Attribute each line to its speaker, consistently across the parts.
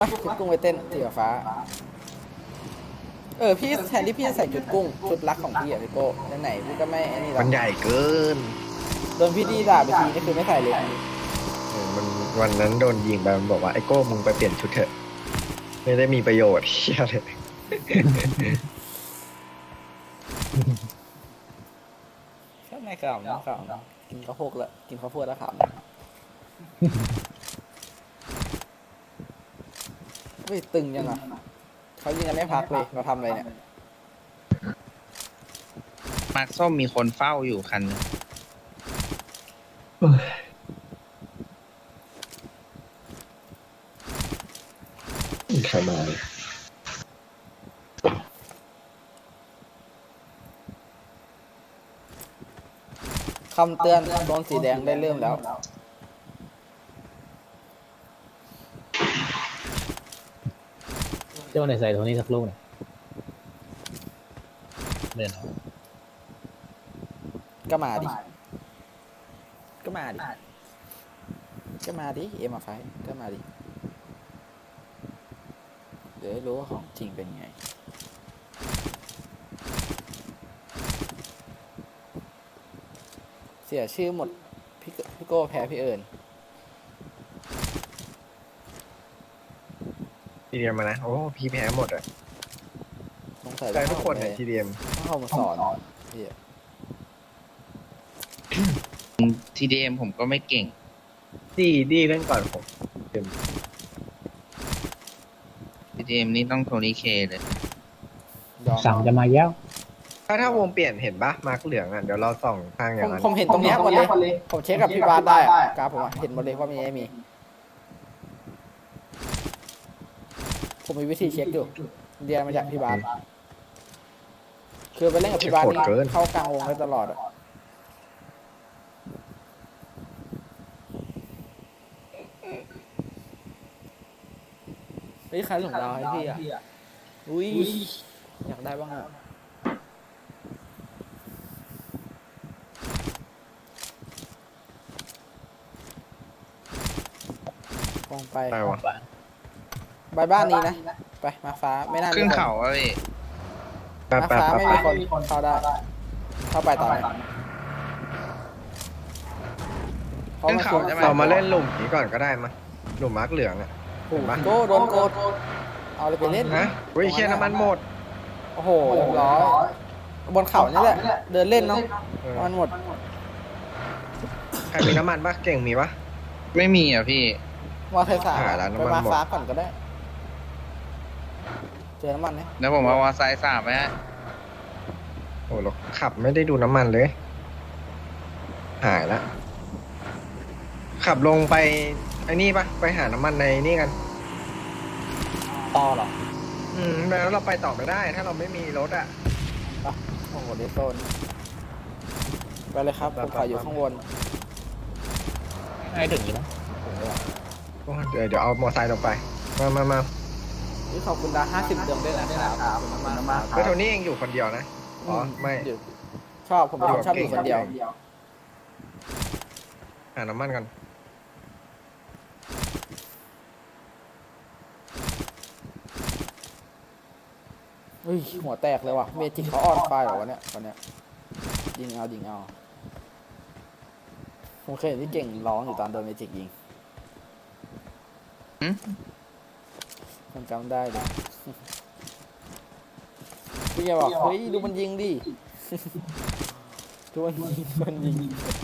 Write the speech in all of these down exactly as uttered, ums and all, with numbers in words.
Speaker 1: ชุดกุ้งไปเต้นสีฟ้าเออพี่แทนที่พี่จะใส่ชุดกุ้งชุดรักของพี่อะพี่โก้ไหนๆพี่ก็ไม่อันนี้หรอ
Speaker 2: มันใหญ่เกิน
Speaker 1: โดนพี่ดีด่าไปทีนี่คือไม่ใส่เลย
Speaker 2: เออมันวันนั้นโดนยิงไปมันบอกว่าไอ้โก้มึงไปเปลี่ยนชุดเถอะไม่ได้มีประโยชน์เชี่ยเลย
Speaker 1: แค่ไม่ขำนะขำกินข้าวโพดแล้วกินข้าวโพดแล้วขำเฮ้ยตึงยังอ่ะเขายิงกันไม่พักเลยเราทำอะไรเนี่ย
Speaker 3: มาร์คส้มมีคนเฝ้าอยู่คันนึง
Speaker 2: ใครมา
Speaker 1: คำเตือนโดนสีแดงได้เริ่มแล้ว
Speaker 4: เจ้าไหนใส่ตรงนี้สักลูกหน่อยเดินเอา
Speaker 1: ก็มาดิก็มาดิก็มาดิเอ็มไฟก็มาดิเดี๋ยวรู้ว่าของจริงเป็นไงเสียชื่อหมดพี่พี่โก้แพ้พี่เอิญ
Speaker 2: ทีเดียมมานะโอ้พี่แพ้หมดอ่ะ
Speaker 1: สงสัย
Speaker 2: แต่ทุกคนในทีเดียม
Speaker 1: ต้องเข้ามาสอนพี่อะ
Speaker 3: ทีดีเอ็มผมก็ไม่เก่ง
Speaker 2: ดีดีเล่นก่อนผม
Speaker 3: ทีดีเอ็มนี่ต้องโทนี่เคเลย
Speaker 1: ยอม
Speaker 4: สั่งจะมาแย้ว
Speaker 2: ถ้าถ้าวงเปลี่ยนเห็นปะมาร์กเหลืองอ่ะเดี๋ยวเราส่องข้างอ
Speaker 1: ผ
Speaker 2: ย่าง
Speaker 1: ม
Speaker 2: นั้น
Speaker 1: ผมเห็นตรงเนี้ยหมดเลยผมเช็คกับพี่บาสได้อะกราฟผมอะเห็นหมดเลยว่ามีไม่มี ผมมีวิธีเช็คอยู่เรียนมาจากพี่บาสคือไปเล่นกับพี่บาสนี่เข้ากลางวงได้ตลอดอะเฮ้ยใครส่งดาวให้พี่อ่ะอุ้ยอยากได้บ้างอ่ะลงไป
Speaker 2: ได้วะ
Speaker 1: ไปบ้านนี้นะไปมาฟ้าไม่น่ามี
Speaker 3: ขึ้น
Speaker 1: คน
Speaker 3: เขาอะพี่
Speaker 2: แป๊บ
Speaker 1: มา
Speaker 2: แป๊บ
Speaker 1: ฟ้า
Speaker 2: แป๊บ
Speaker 1: ไม่
Speaker 2: แป๊
Speaker 1: มี
Speaker 2: บ
Speaker 1: คนเข้าได้ เข้าไปต่อเลยเพราะมันคือ
Speaker 2: เรามาเล่นหลุมนี้ก่อนก็ได้มาหลุมมาร์กเหลืองอ่ะเห็นปะ
Speaker 1: โกโดนโกดเอาเลยไปเล่น
Speaker 2: ฮะอุ้ยเชี่ยน้ำมันหมด
Speaker 1: โอ้โหเรียบร้อยบนเขานี่แหละเดินเล่นเนาะ
Speaker 2: เออ
Speaker 1: มันหมด
Speaker 2: ใครมีน้ำมันปะเก่งมีปะ
Speaker 3: ไม่มีอ่ะพี่
Speaker 1: มาไทยสาม
Speaker 2: หาร้าน
Speaker 1: ไป
Speaker 2: น้ำมัน
Speaker 1: มา
Speaker 2: หมด
Speaker 1: ฟ้าก่อนก็ได้ เจอน้ำมันเนี่ย
Speaker 3: แล้วผมเอาวาไซด์สามไปฮะ
Speaker 2: โอ้เราขับไม่ได้ดูน้ำมันเลย หายละขับลงไปไอ้นี่ปะไปหาน้ำมันในนี่กัน
Speaker 1: ต่อเหรอ
Speaker 2: อืมแล้วเราไปต่อไม่ได้ ถ้าเราไม่มีรถอ่ะ
Speaker 1: โอ้โหเดโซนไปเลยครับผมขออยู่ข้างบน
Speaker 4: ให้ถึงอยู่นะ
Speaker 2: โอ้เดี๋ยวเดี๋ยวเอามอไซค์ลงไป มามามา
Speaker 1: นี่ขอบคุณดาห้าสิบเดือนด้วยนะครับขอบคุณมากๆค
Speaker 2: ก็
Speaker 1: รับ
Speaker 2: โทนี่เองอยู่คนเดียวนะ อ๋อ ไม่
Speaker 1: อยู่ชอบผมเป็นคนชอบอยู่คนเดียว
Speaker 2: หาน้ำมันกัน
Speaker 1: เฮ้ยหัวแตกเลยว่ะเมจิกเขาออนไฟเหรอวะเนี่ยวันเนี้ยยิงเอายิงเอาผมเคยเห็นที่เก่งร้องอยู่ตอนโดนเมจิกยิง
Speaker 3: หึ
Speaker 1: ผมจำได้เลยพี่แกบอกเฮ้ยดูมันยิงดิ ดูมันยิงมันยิง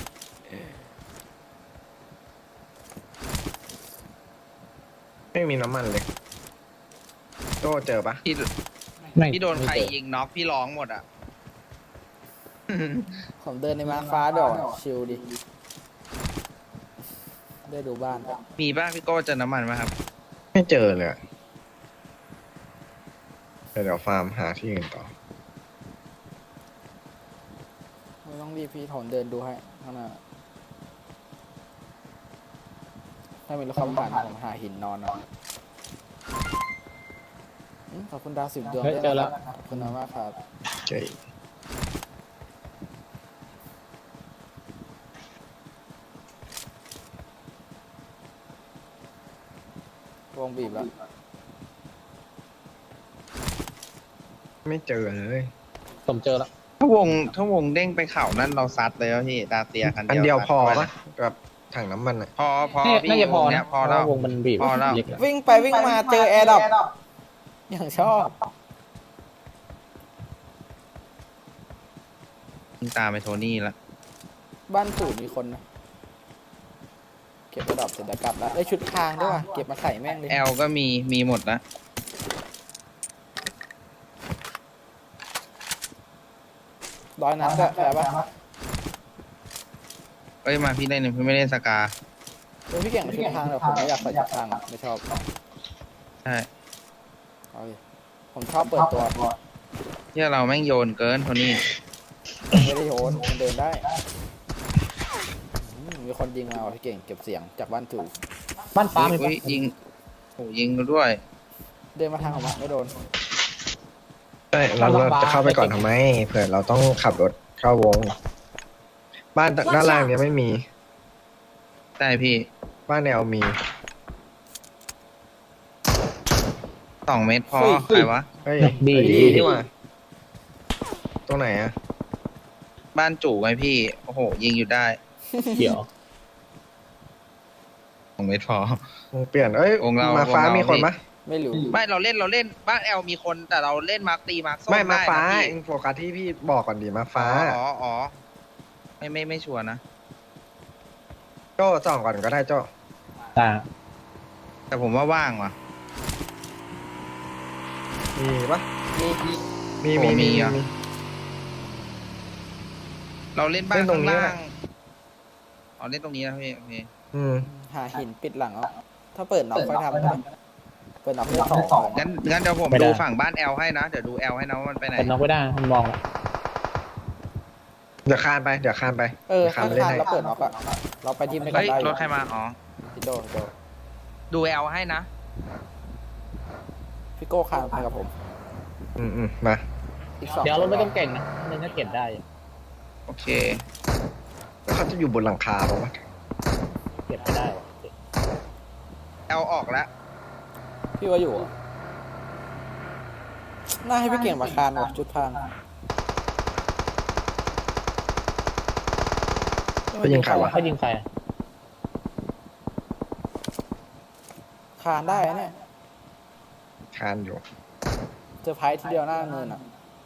Speaker 2: ไม่มีน้ำมันเลยโตเจอปะ
Speaker 3: พี่
Speaker 4: ไม่
Speaker 3: พี่โดนใคร
Speaker 4: ไม่เจอ
Speaker 3: ยิงน็อกพี่ร้องหมดอ่ะ
Speaker 1: ผมเดินในมาฟ้าดอกชิลดิ ได้ดูบ้าน
Speaker 3: มีป่ะพี่โก้เจอน้ำมันไหมครับ
Speaker 2: ไม่เจอเลยอะเดี๋ยวเดี๋ยวฟาร์มหาที่อื่นต่อ
Speaker 1: ไม่ต้องรีบพี่ผมเดินดูให้ข้างหน้าถ้ามีรถขับผ่านผมหาหินนอนเอาอืมขอบคุณดาวสิบดวง
Speaker 4: เฮ้ย
Speaker 1: ด้วย
Speaker 4: เจอแล้
Speaker 1: นะ
Speaker 4: ว
Speaker 1: ครับขอบคุณมากครับ
Speaker 2: เจอ
Speaker 1: วงบีบแล้ว
Speaker 2: ไม่เจอเลย
Speaker 4: ผมเจอแล้ว
Speaker 3: ถ้าวงถ้าวงเด้งไปเข่านั่นเราซัดเลยแล้วพี่ดาเตียคัน
Speaker 2: อัน
Speaker 3: เดียว
Speaker 2: เดียว
Speaker 3: ซั
Speaker 2: พอ
Speaker 3: เข้าไป
Speaker 2: ปะกับถังน้ำมันอ่ะ
Speaker 3: พอพอ
Speaker 4: น่า
Speaker 3: พี่
Speaker 4: น่าจะพอ
Speaker 3: วง
Speaker 4: นะ
Speaker 3: เนี้ยพอ
Speaker 4: เพ
Speaker 3: แล้ว
Speaker 4: ราะาวงมันบีบ
Speaker 3: พอแล้ว
Speaker 4: เล็กอะ
Speaker 1: วิ่งไปวิ่งมาเจอแอร์ดรอปอย่างชอบ
Speaker 3: ตามไปโทนี่ละ
Speaker 1: บ้านตู่มีคนนะเก็บแอร์ดรอปเสร็จแล้วกลับแล้วได้ชุดพรางด้วยว่ะเก็บมาใส่แม่งเลย
Speaker 3: แอลก็มีมีหมดนะ
Speaker 1: ร้อยนัดก็แพ้ปะ
Speaker 3: เอ้ยมาพี่เล่นพี่ไม่เล่นสกา
Speaker 1: เออพี่เก่งกับชุดพรางแต่ผมไม่อยากใส่ชุดพรางอะไม่ชอบ
Speaker 3: ใช่
Speaker 1: เอาดิผมชอบเปิดตัว
Speaker 3: ที่เราแม่งโยนเกินโทนี่
Speaker 1: ไม่ได้โยนมันเดินได้อืมมีคนยิงมาว่ะพี่เก่งเก็บเสียงจากบ้านจู่
Speaker 4: บ้านฟ้ามี
Speaker 3: อุ้
Speaker 4: ปะ
Speaker 3: ยยิงโอ้ยิงด้วย
Speaker 1: เดินมาทางของมันไม่โดน
Speaker 2: ใช่เราเราจะเข้าไปก่อนทำไมเผื่อเราต้องขับรถเข้าวง บ้านด้านล่างเนี้ยไม่มี
Speaker 3: ใช่พี่
Speaker 2: บ้านแนวมี
Speaker 3: สองเมตรพอใครวะ
Speaker 2: เฮ้ย
Speaker 4: บี
Speaker 2: เฮ้ยนี่หว่าตรงไหนอ่ะ
Speaker 3: บ้านจู่ไงพี่ โอ้โห ยิงอยู่ได้
Speaker 4: เขียว
Speaker 3: สองเมตรพอ
Speaker 2: วงเปลี่ยนเอ้ยว
Speaker 3: งเรา
Speaker 2: มาฟ้าว
Speaker 3: งเรามี
Speaker 2: มีคนปะ
Speaker 1: ไม่รู้
Speaker 3: ไม่เราเล่นเราเล่นบ้านแอลมีคนแต่เราเล่นมาร์คตีมาร์คส้ม
Speaker 2: ไม่มา
Speaker 3: ได้
Speaker 2: ฟ้า
Speaker 3: นะพี่
Speaker 2: เองโฟกัสที่พี่บอกก่อนดีมาฟ้า
Speaker 3: อ๋ออ๋อไม่ไม่ไม่ชัวร์นะ
Speaker 2: โจ้ส่องก่อนก็ได้โจ้
Speaker 4: ตา
Speaker 3: แต่ผมว่าว่างว่ะ
Speaker 2: มีปะ
Speaker 1: มี
Speaker 2: มี
Speaker 3: โอ้
Speaker 2: มี
Speaker 3: มี
Speaker 2: มี
Speaker 3: อ่ะ
Speaker 2: มี
Speaker 3: เราเล่นบ้าน
Speaker 2: เล่นตร
Speaker 3: ข้าง ง
Speaker 2: นี้
Speaker 3: ล่า
Speaker 2: แหละ
Speaker 3: งอ๋อเล่นตรงนี้นะพี่โอเค
Speaker 2: อืม
Speaker 1: หาหินปิดหลังเอาถ้าเปิดน็อกค่อยทำก็ได้เปิดน็อกได้สอง
Speaker 3: งั้นงั้นเดี๋ยวผมดูฝั่งบ้านแอลให้นะ เดี๋ยวดูแอลให้นะว่ามันไปไหน
Speaker 4: เป็นน็อกไม่ได้มันมองแล้ว
Speaker 2: เดี๋ยวคานไปเดี๋ยวคานไป
Speaker 1: เออ
Speaker 2: ดี๋ยวคา
Speaker 1: ถ้าน
Speaker 2: ไปเล่น
Speaker 1: คาน
Speaker 2: ให้
Speaker 1: แล้วเปิดน็อกอะเราไปทีมด้วยกัน
Speaker 3: เฮ้ย
Speaker 1: ได้
Speaker 3: รถใครมาอ๋อ
Speaker 1: พี่โดพี่โด
Speaker 3: ดูแอลให้นะ
Speaker 1: พี่โก้คานไปกับผม
Speaker 2: อืมอืมมา
Speaker 1: อีกสอง
Speaker 4: เดี๋ยวรถไม่ต้องเก่งนะมันถ้าเก็บได้อยู่
Speaker 3: โอเค
Speaker 2: แล้วเขาจะอยู่บนหลังคาปะวะ
Speaker 4: เก็บไม่ได้วะ
Speaker 3: แอลออกแล้ว
Speaker 1: พี่ว่าอยู่อะน่าให้พี่เก่งมาคานว่ะจุดพราง
Speaker 2: ไปยิงใครวะ
Speaker 4: เขายิงใครอะ
Speaker 1: คานได้นะเนี่ย
Speaker 2: คานอยู่
Speaker 1: เจอไพรส์ทีเดียวหน้าเนินอ่ะ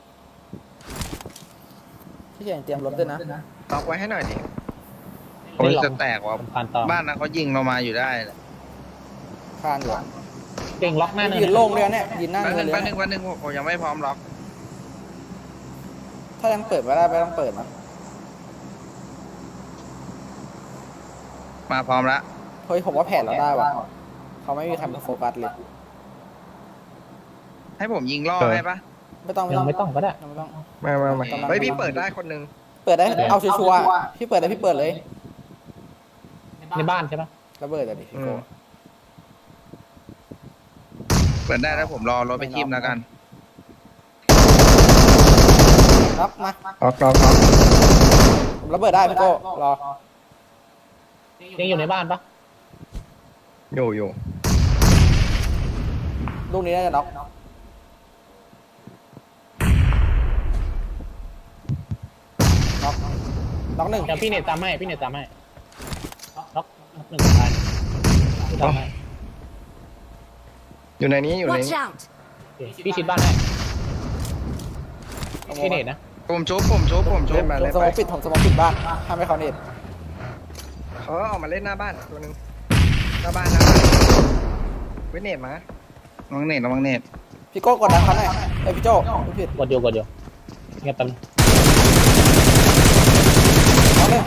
Speaker 1: พี่เก่งเตรียมรถด้วยนะ
Speaker 2: ล็อกไว้ให้หน่อยดิ
Speaker 3: ผมจะแตกว่ะ
Speaker 4: ผมผ่านต่อ
Speaker 3: บ้านนั้นเขายิงเรามาอยู่ได้แหละ
Speaker 1: คานอยู่อะ
Speaker 4: เก่งล็อกหน้าเนิน
Speaker 1: ยืนโล่งเลยเนี่ยยืนหน้า
Speaker 3: แป๊บ
Speaker 1: เนิ
Speaker 3: นึ
Speaker 1: น
Speaker 3: ง
Speaker 1: เลย
Speaker 3: แป๊บนึ
Speaker 1: นะ
Speaker 3: งแป๊บนึงผมผมยังไม่พร้อมล็อก
Speaker 1: ถ้ายังเปิดไม่ได้ไม่ต้องเปิดนะ
Speaker 3: มาพร้อมแล้ว
Speaker 1: เฮ้ยผมว่าแผนเราได้ว่ะเขาไม่มีใครมาโฟกัสเลย
Speaker 3: ให้ผมยิงล่อให้ปะ
Speaker 1: ไม่ต้องไม่
Speaker 4: ยั
Speaker 1: ต้อง
Speaker 4: งไม่ต้องก็ได้
Speaker 1: ไม่ต้อง
Speaker 2: มามามา
Speaker 1: กำลัง
Speaker 2: เฮ้ยพี่เปิดได้คนหนึง
Speaker 1: เปิดได้เอาชัวร์ๆอะพี่เปิดได้พี่เปิดเลย
Speaker 4: ในบ้านใช่ปะ
Speaker 1: ระเบิดอะดิพี่โก้
Speaker 3: เปิดได้แล้วผมรอรถไปทิมแล้วกัน
Speaker 1: รับมา
Speaker 2: ล็อกล็อกล็อก
Speaker 1: ผมระเบิดได้พี่โก้รอ
Speaker 4: ยังอยู่ในบ้านปะ
Speaker 2: อยู่อยู่
Speaker 1: ลูกนี้น่าจะน็อกน็อกน็อกหนึ่ง
Speaker 4: เดี๋ยวพี่เนตตามให้พี่เนตตามให้ล็อกล็อกหนึ่งตายตามให้
Speaker 2: อยู่ในนี้อยู่ใน
Speaker 5: Watch
Speaker 2: นี้
Speaker 5: out!
Speaker 4: โอเคพี่ชิดบ้านให้พี่เนตนะ
Speaker 3: ผมชุบผมชุบผมชุบ
Speaker 2: เล่นมา
Speaker 1: ผม
Speaker 2: เล่น
Speaker 1: สม
Speaker 2: ไป
Speaker 1: องปิดผมสมองปิดบ้านห้ามให้เขาเน็ต
Speaker 2: เขาออกมาเล่นหน้าบ้านตัวหนึงหน้าบ้านหน้าบ้านเวทเนตมา
Speaker 3: ระวังเน็ตระวังเน็ต
Speaker 1: พี่โก้กดดันเขาหน่อยเอ้ยพี่โจ้ไม่ผิด
Speaker 4: กดเดียวกดเดียวเงียบตันง
Speaker 1: น็อกเลย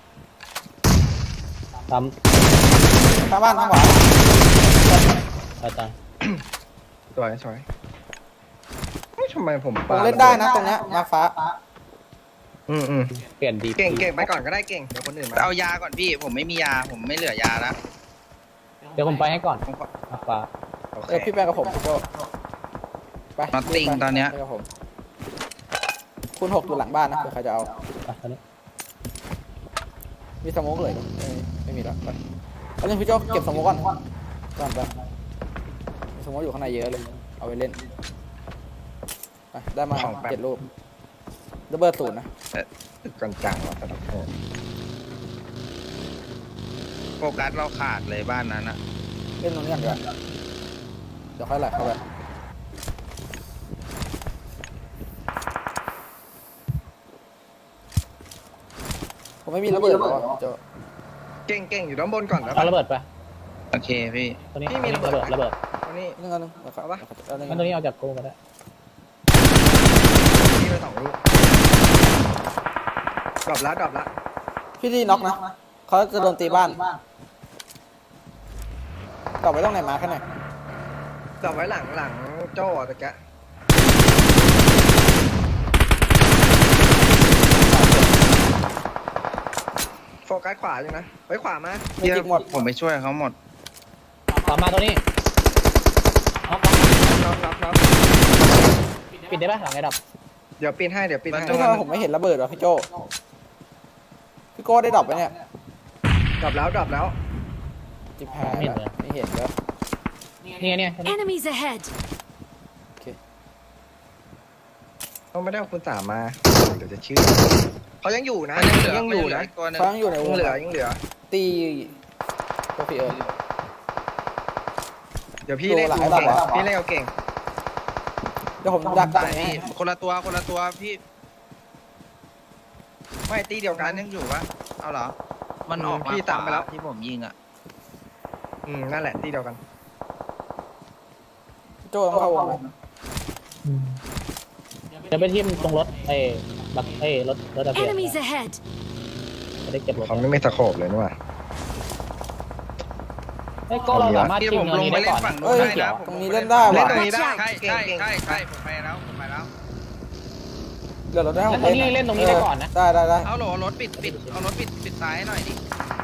Speaker 4: ตาม
Speaker 1: ข้างบ้านข้างขวา
Speaker 4: ตายตาย
Speaker 2: สวยสวยเฮ้ยทำไมผม
Speaker 1: ผมเล่นได้นะตรงเนี้ยมาฟ้า
Speaker 2: อืมอืม
Speaker 4: เปลี่ยนดี
Speaker 2: เก่งเก่งไปก่อนก็ได้เก่งเดี๋ยวคนอื่นมา
Speaker 3: เอายาก่อนพี่ ผมไม่มียา ผมไม่เหลือยาแล้ว
Speaker 4: เดี๋ยวผมไปให้ก่อน
Speaker 3: ผมขอ
Speaker 4: มาฟ้า
Speaker 2: โอเค
Speaker 1: เออพี่ไปกับผมพี่โก้ไป
Speaker 3: น็อตติ้ง
Speaker 1: ไป
Speaker 3: ตอนเนี้ย
Speaker 1: ไปกับผมคุณหกอยู่หลังบ้านนะเผื่อใครจะเอา
Speaker 4: ไปตอนนี้
Speaker 1: มีสโมกเลยไม่ไม่มีแล้วไปเอาเล่นพี่โจ้เก็บสโมกก่อนก่อนไปมีสโมกอยู่ข้างในเยอะเลยเอาไปเล่นไปได้มา
Speaker 2: ของแป๊บ
Speaker 1: เจ็ดรูประเบิดศูนย์นะ
Speaker 2: ตึกกันจังว่ะแต่ละคน
Speaker 3: โฟกัสเราขาดเลยบ้านนั้นอะ
Speaker 1: เล่นตรงนี้ก่อนดีกว่าเดี๋ยวค่อยไหลเข้าไปผมไม่มีระเบิดหรอเจ้า
Speaker 2: เก่งเก่งอยู่ด้านบนก่อนนะ
Speaker 4: เอาระเบิดไป
Speaker 3: โอเคพี่
Speaker 4: ตัวนี้
Speaker 2: พี่มีระเบิด
Speaker 4: ระเบิด
Speaker 2: ตรงนี้
Speaker 1: นึงอันนึงนะครับ
Speaker 2: เอาปะ
Speaker 1: เอาหนึ่ง
Speaker 4: งั้นตัวนี้เอาจากกูก็ได้
Speaker 2: พี่ไปสองลูกดรอปแล้วดรอปแล้ว
Speaker 1: พี่ดีน็อกนะเขาจะโดนตีบ้านต่อไปต้องไหนมาแค่ไหน
Speaker 2: ดรอปไว้หลังหลังโจ้ตะแกะโฟกัสขวาอยู่นะไว้ขวามา
Speaker 1: มีจิกหมด
Speaker 3: ผมไปช่วยเขาหมด
Speaker 4: ต่อมาตัวนี้เอา
Speaker 2: น็อกน็อกน็อก
Speaker 4: ปิดได้ปะหลังไอ้ดับ
Speaker 2: เดี๋ยวปีนให้เดี๋ยวปีนให้
Speaker 1: ไม่ทำไมผมไม่เห็นระเบิดวะพี่โจพี่โก้ได้ดรอปไปเนี่ย
Speaker 2: ดรอปแล้วดรอปแล้ว
Speaker 1: จิบแพ้แล้วไม่เห็นแล้ว
Speaker 4: นี่ไงเนี่ยตัวนี้
Speaker 5: Enemies ahead!
Speaker 2: เขาไม่ได้เอาคุณสามมา เดี๋ยวจะชื่อเขายังอยู่นะ
Speaker 3: มันยังเหลือ
Speaker 2: ยังอยู่นะ
Speaker 3: อีกตัวหนึง
Speaker 1: เขายังอยู่ในว
Speaker 2: ยัง งเหลือยังเหลือ
Speaker 1: ตีตัวพี่เอิร์ธ
Speaker 2: เดี๋ยวพี่เล่น
Speaker 1: ดูหลาย
Speaker 2: เก่ง
Speaker 1: รอบแล้ว
Speaker 2: พี่เล่นเอาเก่ง
Speaker 1: เดี๋ยวผมดัก
Speaker 3: ตา
Speaker 1: ตาย ย
Speaker 3: พี่คนละตัวคนละตัวพี่
Speaker 2: ไม่ตีเดียวกั
Speaker 3: กาน รยังอยู่ปะเอาเหรอ มันออก
Speaker 2: พี่ตามไปแล้ว
Speaker 3: ที่ผมยิงอะ
Speaker 2: อืมนั่นแหละตีเดียวกัน
Speaker 1: โจ้ต้องเข้าวงเลย
Speaker 4: เดี๋ยวไปทิ่มตรงรถไอ้บักไอ้รถรถดับเพลิง
Speaker 5: Enemies ahead!
Speaker 4: จะได้เก็บรถ
Speaker 2: เขาไม่มีสโคปเลยนี่หว่า
Speaker 4: ไอ้ยก็เราสามารถ
Speaker 3: ที่
Speaker 4: จิ้
Speaker 3: ผม ม
Speaker 4: เนิน
Speaker 3: ลง
Speaker 4: นี้
Speaker 3: ไป
Speaker 4: ได้
Speaker 3: เล่
Speaker 4: ก่อน น
Speaker 3: ฝั่งนู้
Speaker 1: เอ้
Speaker 3: น
Speaker 1: ย
Speaker 3: ได้นะ
Speaker 1: ตรงนี้เล่นได้
Speaker 2: เล่น
Speaker 1: ว่ะ
Speaker 2: ตรงนี้ได้
Speaker 3: ใช่
Speaker 2: เก่ง
Speaker 3: ใช่
Speaker 2: เก่ง
Speaker 3: ใช่ใช่ผมไปแล้วผมไปแล้ว
Speaker 1: เดี๋ยวเราได้
Speaker 4: แล้วตรงนี้เล่นตรงนี้ได้ก่อนนะ
Speaker 1: ได้ได้ได้
Speaker 3: เอาโหลรถปิดปิดเอารถปิดปิดซ้ายหน่อยดิ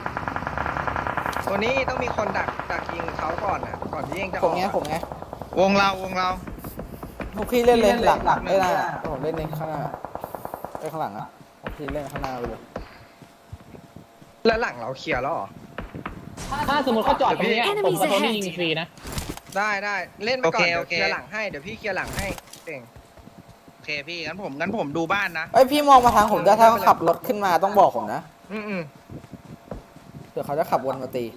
Speaker 2: ตัวนี้ต้องมีคนดักดักยิงเขาก่อนนะก่อนที่เองจะอ
Speaker 1: ผ
Speaker 2: อ
Speaker 1: ม
Speaker 2: ก
Speaker 1: ไงผมไง
Speaker 3: วงเราวงเรา
Speaker 1: พวกพี่เล่นเลยหลังหลังไม่ได้ผมเล่นในข้างหน้าไปข้างหลังอ่ะผมพี่เล่นข้างหน้าไปเลย
Speaker 2: แล้วหลังเราเคลียร์แล้วเหรอ
Speaker 4: ถ้าสมมติเขาจอดตรงเนี้ยผมกับโทนี่ยิงฟรีนะ
Speaker 2: ได้ได้เล่นไปก่อนเดี๋ยวเคลียร์หลังให้เดี๋ยวพี่เคลียร์หลังให้เก่ง
Speaker 3: โอเคพี่งั้นผมงั้นผมดูบ้านนะ
Speaker 1: เอ้ยพี่มองมาทางผมได้ถ้าเขาขับรถขึ้นมาต้องบอกผมนะ
Speaker 2: อืมอืม
Speaker 1: เดี๋ยวเขาจะขับวนมาตี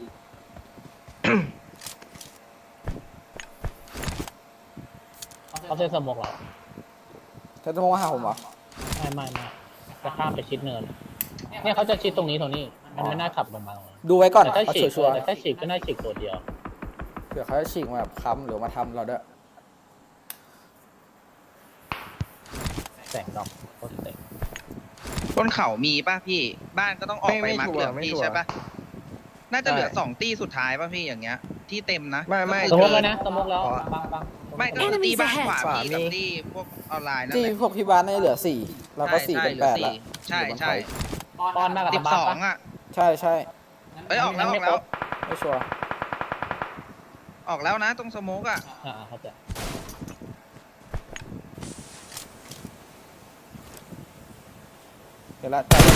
Speaker 4: เขาเซ็นสมกเรา
Speaker 1: เขาจะมองมาหาผมเหรอ
Speaker 4: ไม่ไม่ไม่จะข้ามไปชิดเนิน เนี่ยเขาจะชิดตรงนี้ตรงนี้ มันไม่น่าขับลงมาตรงนี้
Speaker 1: ดูไว้ก่อน
Speaker 4: แต่ถ้า
Speaker 1: เขา
Speaker 4: ฉีก
Speaker 1: ชัวร์
Speaker 4: แต่ถ้าฉีกก็น่าฉีกตัวเดียว
Speaker 1: ๆเผื่อเขาจะฉีกมาแบบค้ำหรือมาทำเราด้วย
Speaker 4: แสงดอกโคตรเต็ม
Speaker 3: บนเขามีป่ะพี่ บ้านก็ต้องออกไปมาร์กเหลืองพี่ใช่ป่ะ น่าจะเหลือสองตี้สุดท้ายป่ะพี่อย่างเงี้ย ที่เต็มนะ
Speaker 2: ไม่ไม่
Speaker 4: สมมติแล้วนะสมมติแล้วบางบาง
Speaker 3: ไม่ก็คือตีบ้านขวาพี่กับตีพวกออนไลน์นั่น
Speaker 1: ที่
Speaker 3: แหละ
Speaker 1: พวกพี่บ้านน่าจะเหลือสี่เราก็สี่เป็นแปดแล้ว
Speaker 3: ใช่ใช่
Speaker 4: ตอนมากับ
Speaker 3: สิบ
Speaker 4: บ้า
Speaker 3: ส
Speaker 4: น
Speaker 3: อง
Speaker 4: ปะ
Speaker 3: อ่ะ
Speaker 1: ใช่ใช่
Speaker 3: เอ้ยออกแล้วออกแล้ว
Speaker 1: ไม่ชัวร์
Speaker 3: ออกแล้วนะตรงสโมกอ่ะ
Speaker 4: อ่าเข้าใจ
Speaker 1: เดี๋ยวละ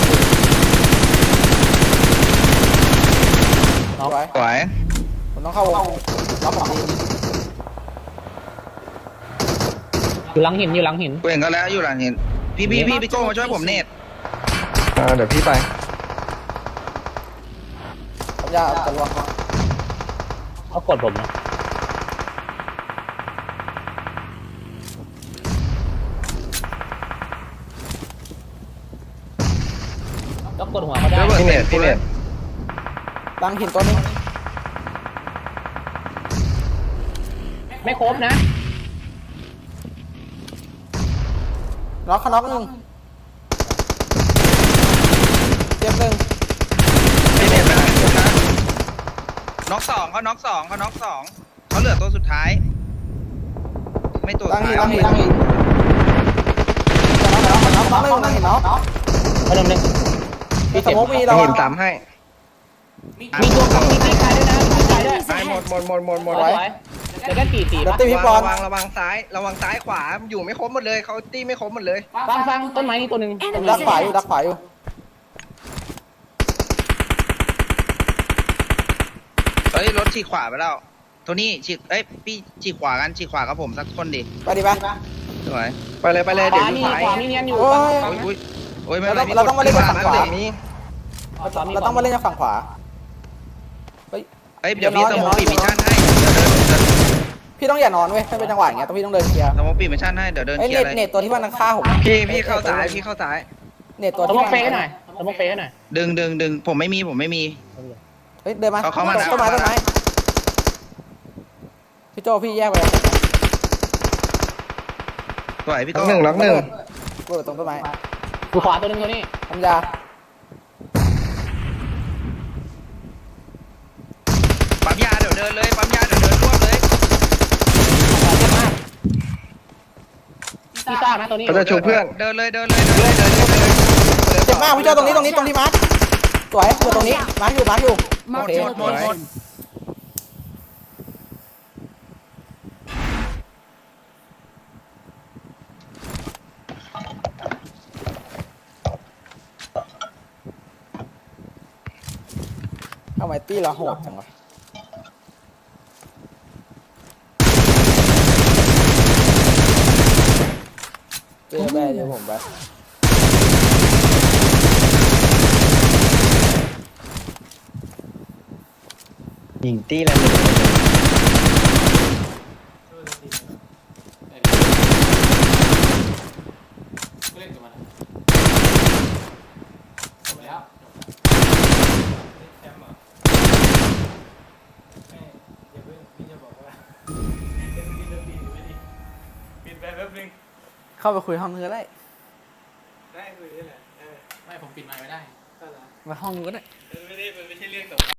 Speaker 4: น็อก
Speaker 1: ไว้
Speaker 3: สวย
Speaker 1: ผมต้องเข้าวงล็อกผมดี
Speaker 4: อยู่หลังหินอยู่หลังหิน
Speaker 3: กูเห็นก็แล้วอยู่หลังเห็นพี่พี่พี่พี่โก้มาช่วยผมเนต
Speaker 2: อ่าเดี๋ยวพี่ไป
Speaker 1: ผมยาจะลวง
Speaker 4: เขากดผมนะก็กดหัวเขาได้
Speaker 2: พี่เนตพี่เนต
Speaker 1: ตั้งหินตัวนี้
Speaker 4: ไม่ครบนะ
Speaker 1: ล็อกเขาน็อกหนึ่งเจ็บหนึ่ง
Speaker 3: พี่เนตไปแล้วนะน็อกสองเขาน็อกสองเขาน็อกสองเขาเหลือตัวสุดท้าย ไม่ตัว
Speaker 1: ตั้ง
Speaker 3: สุ
Speaker 1: หิ
Speaker 3: ด
Speaker 1: น
Speaker 3: ท้าย
Speaker 1: ตั้งหินตั้งหินน็อกน็อกน็อกน็อกตั้งหินน็อก
Speaker 4: มาเดิมเลย
Speaker 1: มีสโมกมี
Speaker 2: ต้
Speaker 1: เรา
Speaker 2: องเห็นตามให้
Speaker 4: มีตัวกับมีตีไกลด้วยนะตีไกลด้วย
Speaker 5: Enemies
Speaker 2: ไปหมด
Speaker 5: ahead!
Speaker 2: หมดหมดหมดหมด
Speaker 4: สวยเดี๋ยวก็ตีตี
Speaker 1: เดี๋ยว
Speaker 4: ปะ
Speaker 1: ตีพี่บอล
Speaker 2: ระวังระวังซ้ายระวังซ้ายขวาอยู่ไม่ครบหมดเลยเขาตีไม่ครบหมดเลย
Speaker 4: ฟังฟังต้นไม้นี่ตัวหนึ่ง
Speaker 1: ผม
Speaker 5: Enemies
Speaker 1: ดักขวาอยู่
Speaker 5: ahead!
Speaker 1: ดักขวาอยู่
Speaker 3: เฮ้ยรถฉีกขวาไปแล้วโทนี่ฉีกเอ้ยพี่ฉีกขวากันฉีกขวากับผมสักคนดิ
Speaker 1: ไปดิไป
Speaker 3: สวย
Speaker 2: ไปเลยไปเลย
Speaker 4: ข
Speaker 2: เดี๋ยว
Speaker 4: วา
Speaker 2: ยิ
Speaker 4: มี
Speaker 2: งขวา
Speaker 4: ขวามีเนียนอยู่
Speaker 1: โอ้ย
Speaker 3: โอ้ยโอ้ยโอ้ยไม่
Speaker 1: เรา
Speaker 3: เป็นไร
Speaker 1: ต้องเราต้องมาเล่นกับฝั่งขวา
Speaker 2: ขวามี
Speaker 1: เราต้องมาเล่นจากฝั่งขวาเฮ้ย
Speaker 3: เฮ้ยเดี๋ยวพี่
Speaker 1: เดี๋
Speaker 3: ส
Speaker 1: ยว
Speaker 3: โม
Speaker 1: น้
Speaker 3: อ
Speaker 1: อง
Speaker 3: ปีมิชชั่นให้เดี๋ยวเดินเดิน
Speaker 1: พี่ต้องอย่านอนเว้ยถ้าเป็นจังหวะอย่างเงี้ยต้องพี่ต้องเดินเคลียร์
Speaker 3: สโมอปีมิชชั่นให้เดี๋ยวเดิน
Speaker 1: ไอ้
Speaker 3: เคลี
Speaker 1: เน็
Speaker 3: ย
Speaker 1: ต
Speaker 3: ร์เลย
Speaker 1: เน็ตตัวที่มันฆ่าผม
Speaker 2: พี่พี่เข้าซ้ายพี่เข้าซ้าย
Speaker 1: เน็ตตัว
Speaker 4: ส
Speaker 1: ที่
Speaker 4: ม
Speaker 1: มั
Speaker 4: องเฟกให้หน่อยสมองเฟกให้หน่อย
Speaker 3: ดึงดึงดึงผมไม่มีผมไม่มี
Speaker 1: เฮ้ยเดินมา
Speaker 3: เขาเข้ามาแล้ว
Speaker 1: ต้นไม้ต้นไม้พี่โจพี่แยกไปเลย
Speaker 3: สวยพี่
Speaker 2: ล็
Speaker 3: โต้
Speaker 2: อกหนึ่งล็อกหนึ่ง
Speaker 1: เปิดตรงต้นไม้
Speaker 4: อยู่ขวาตัวหนึงตัวนี้
Speaker 1: ทำยา
Speaker 3: ปั๊มยาเดี๋ยวเดินเลยปั๊มยาเดี๋ยวเดินรวบเลย
Speaker 4: พี่ซ่านะตัวนี้
Speaker 2: เขาจะชูเพื่อน
Speaker 3: เดินเลยเดินเลยเดินเลยเดินเลยเดินเลย
Speaker 1: เจ็บมากพี่โจตรงนี้ตรงนี้ตรงที่มาร์คสวยอยู่ตรงนี้มาร์คอยู่มาร์คอยู่โอเค
Speaker 3: หมดหมดหมด
Speaker 1: ทำไมตี้เราโหดจังวะเจอแม่เดี๋ยวผมไป
Speaker 2: ยิงตี้แล้วหนึ่ง
Speaker 1: เข้าไปคุยห้องนึงก็ได้
Speaker 5: ได้คุยได้แหละเออ
Speaker 4: ไม่ผมปิดไมค์ไม่ได้
Speaker 5: ก็แล้ว
Speaker 1: มาห้องนึงก็ได้
Speaker 5: ไม่ได้มันไม่ใช่เรื่องสำคัญ